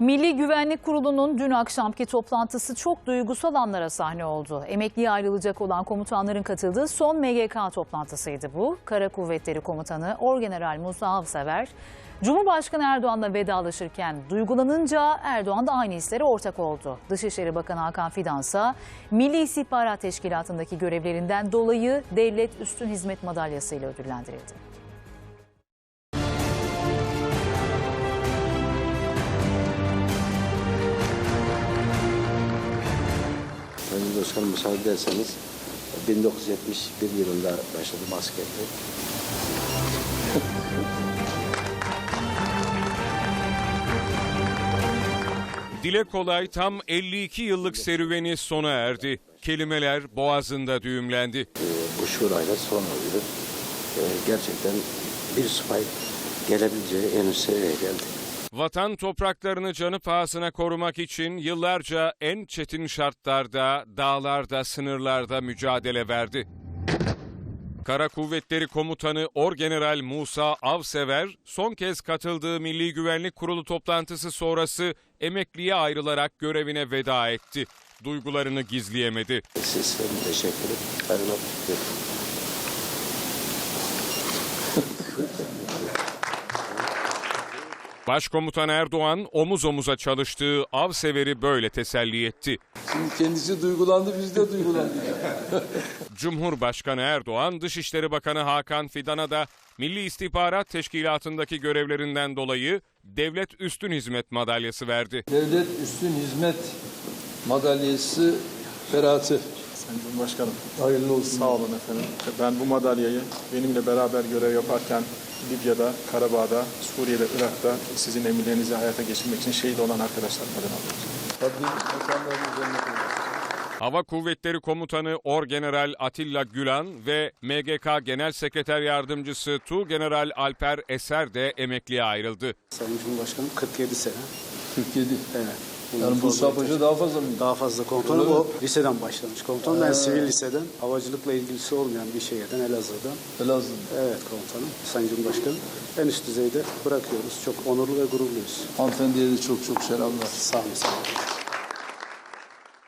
Milli Güvenlik Kurulu'nun dün akşamki toplantısı çok duygusal anlara sahne oldu. Emekliye ayrılacak olan komutanların katıldığı son MGK toplantısıydı bu. Kara Kuvvetleri Komutanı Orgeneral Musa Avsever, Cumhurbaşkanı Erdoğan'la vedalaşırken duygulanınca Erdoğan da aynı hislere ortak oldu. Dışişleri Bakanı Hakan Fidan ise Milli İstihbarat Teşkilatı'ndaki görevlerinden dolayı Devlet Üstün Hizmet Madalyası ile ödüllendirildi. Sayın Başkanım, müsaade ederseniz 1971 yılında başladım askerliğe. Dile kolay tam 52 yıllık serüveni sona erdi. Kelimeler boğazında düğümlendi. Bu şurayla son oluyor. Gerçekten bir subay gelebileceği en üst seviyeye geldi. Vatan topraklarını canı pahasına korumak için yıllarca en çetin şartlarda, dağlarda, sınırlarda mücadele verdi. Kara Kuvvetleri Komutanı Orgeneral Musa Avsever son kez katıldığı Milli Güvenlik Kurulu toplantısı sonrası emekliye ayrılarak görevine veda etti. Duygularını gizleyemedi. Sizlere teşekkür ederim. Başkomutan Erdoğan omuz omuza çalıştığı Avsever'i böyle teselli etti. Şimdi kendisi duygulandı, biz de duygulandık. Cumhurbaşkanı Erdoğan, Dışişleri Bakanı Hakan Fidan'a da Milli İstihbarat Teşkilatı'ndaki görevlerinden dolayı Devlet Üstün Hizmet Madalyası verdi. Devlet Üstün Hizmet Madalyası Berat'ı. Sayın Cumhurbaşkanım, Hayırlı olsun. sağ olun efendim. Ben bu madalyayı benimle beraber görev yaparken Libya'da, Karabağ'da, Suriye'de, Irak'ta sizin emirlerinizi hayata geçirmek için şehit olan arkadaşlarım adına alıyorum. Rabbim mekanlarını cennet eylesin. Hava Kuvvetleri Komutanı Orgeneral Atilla Gülan ve MGK Genel Sekreter Yardımcısı Tuğgeneral Alper Eser de emekliye ayrıldı. Sayın Cumhurbaşkanım 47 sene. 47. Evet. Yani Musa Paşa daha fazla mı? Daha fazla komutanım. O liseden başlamış komutanım. Ben sivil liseden, havacılıkla ilgisi olmayan bir şehirden, Elazığ'dan. Elazığ. Evet komutanım. Sayın Cumhurbaşkanım. En üst düzeyde bırakıyoruz. Çok onurlu ve gururluyuz. Hanımefendiye de çok çok selamlar. Sağ olun.